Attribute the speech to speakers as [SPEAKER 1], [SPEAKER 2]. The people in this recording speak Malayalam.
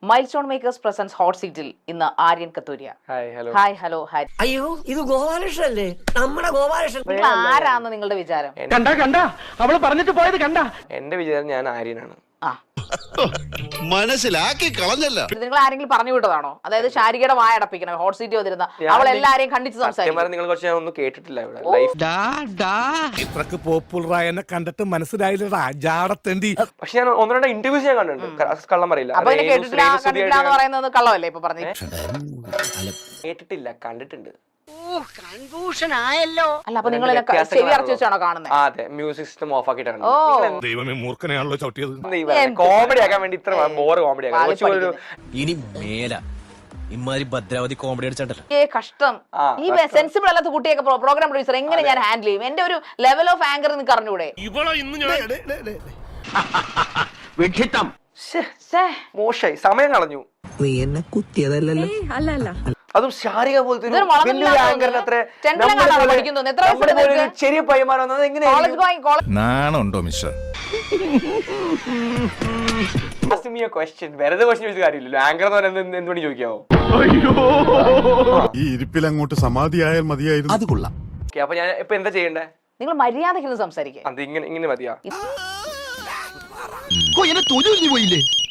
[SPEAKER 1] Mile milestone makers presents hot സീറ്റിൽ ഇന്ന് Aryan Kathuria. Hi hello hi.
[SPEAKER 2] അയ്യോ ഇത് ഗോപാലകൃഷ്ണല്ലേ, നമ്മുടെ ഗോപാലകൃഷ്ണൻ.
[SPEAKER 1] നിങ്ങൾ ആരാന്ന് നിങ്ങളുടെ വിചാരം?
[SPEAKER 3] കണ്ട അവള് പറഞ്ഞിട്ട് പോയത് കണ്ട.
[SPEAKER 4] എന്റെ വിചാരം ഞാൻ ആര്യനാണ്.
[SPEAKER 5] മനസ്സിലാക്കി കളഞ്ഞല്ല.
[SPEAKER 1] നിങ്ങൾ ആരെങ്കിലും പറഞ്ഞു വിട്ടതാണോ? അതായത് ശാരികയുടെ വായ അടപ്പിക്കണം, ഹോട്ട് സീറ്റ് വന്നിരുന്ന അവൾ എല്ലാരെയും ഖണ്ഡിച്ച് സംസാരിക്കും.
[SPEAKER 4] നിങ്ങൾ കുറച്ച് ഒന്നും കേട്ടിട്ടില്ല ഇവിടെ ലൈഫ്.
[SPEAKER 5] ഇത്രക്ക് പോപ്പുലറായ എന്നെ കണ്ടിട്ട് മനസ്സിലായില്ലടാ ജാടത്തേണ്ടി.
[SPEAKER 4] പക്ഷെ ഞാൻ ഒന്ന് രണ്ട് ഇന്റർവ്യൂസ് ഞാൻ കണ്ടിട്ടുണ്ട്, കള്ളം പറയില്ല.
[SPEAKER 1] അപ്പൊ കേട്ടിട്ടില്ല എന്ന് പറയുന്നത് കള്ളമല്ലേ ഇപ്പൊ പറഞ്ഞു?
[SPEAKER 4] കേട്ടിട്ടില്ല, കണ്ടിട്ടുണ്ട്.
[SPEAKER 2] കൺഫ്യൂഷൻ ആയല്ലോ.
[SPEAKER 1] അല്ല അപ്പൊ നിങ്ങൾ ചെവി അടച്ചു വെച്ചാണോ കാണുന്നത്?
[SPEAKER 4] അതെ, മ്യൂസിക് സിസ്റ്റം ഓഫ് ആക്കിയിട്ടാണ്.
[SPEAKER 5] ദൈവമേ മൂർഖനെയാണല്ലോ ചവിട്ടിയത്.
[SPEAKER 4] കോമഡി ആക്കാൻ വേണ്ടി ഇത്ര ബോർ കോമഡി ആക്കാൻ.
[SPEAKER 6] ഇനി മേല ഇമാതിരി ഭദ്രാവതി കോമഡി അടിച്ചിട്ടല്ലോ.
[SPEAKER 1] കഷ്ടം. ഈ സെൻസിബിൾ അല്ലാത്ത കുട്ടിയൊക്കെ പ്രോഗ്രാം പ്രൊഡ്യൂസർ എങ്ങനെ ഞാൻ ഹാൻഡിൽ ചെയ്യും? എന്റെ ഒരു ലെവൽ ഓഫ് ആങ്കർ നിങ്ങൾക്ക് അറിഞ്ഞൂടെ?
[SPEAKER 4] മോശമായി, സമയം കളഞ്ഞു.
[SPEAKER 2] നീ എന്നെ കുത്തിയതല്ലല്ലോ.
[SPEAKER 4] അതും ശാരിക പോലത്തെ
[SPEAKER 1] ചെറിയ
[SPEAKER 4] ചെറിയ പയ്യന്മാർ വന്നത് എങ്ങനെയാണ്?
[SPEAKER 5] നാണുണ്ടോ മിസ്റ്റർ?
[SPEAKER 4] വെറുതെ ക്വസ്റ്റ്യൻ ചോദിച്ച കാര്യമില്ലല്ലോ. ആങ്കർ എന്ന് പറയുന്നത് എന്തുകൊണ്ട് ചോദിക്കാവോ?
[SPEAKER 5] ഈ ഇരിപ്പിൽ അങ്ങോട്ട് സമാധിയായാൽ മതിയായിരുന്നു. അത് കൊള്ളാം.
[SPEAKER 4] അപ്പൊ ഞാൻ ഇപ്പൊ എന്താ ചെയ്യണ്ടേ?
[SPEAKER 1] നിങ്ങൾ മര്യാദയ്ക്ക് സംസാരിക്കുക.
[SPEAKER 4] അത് ഇങ്ങനെ മതിയാ?
[SPEAKER 5] പോയില്ലേ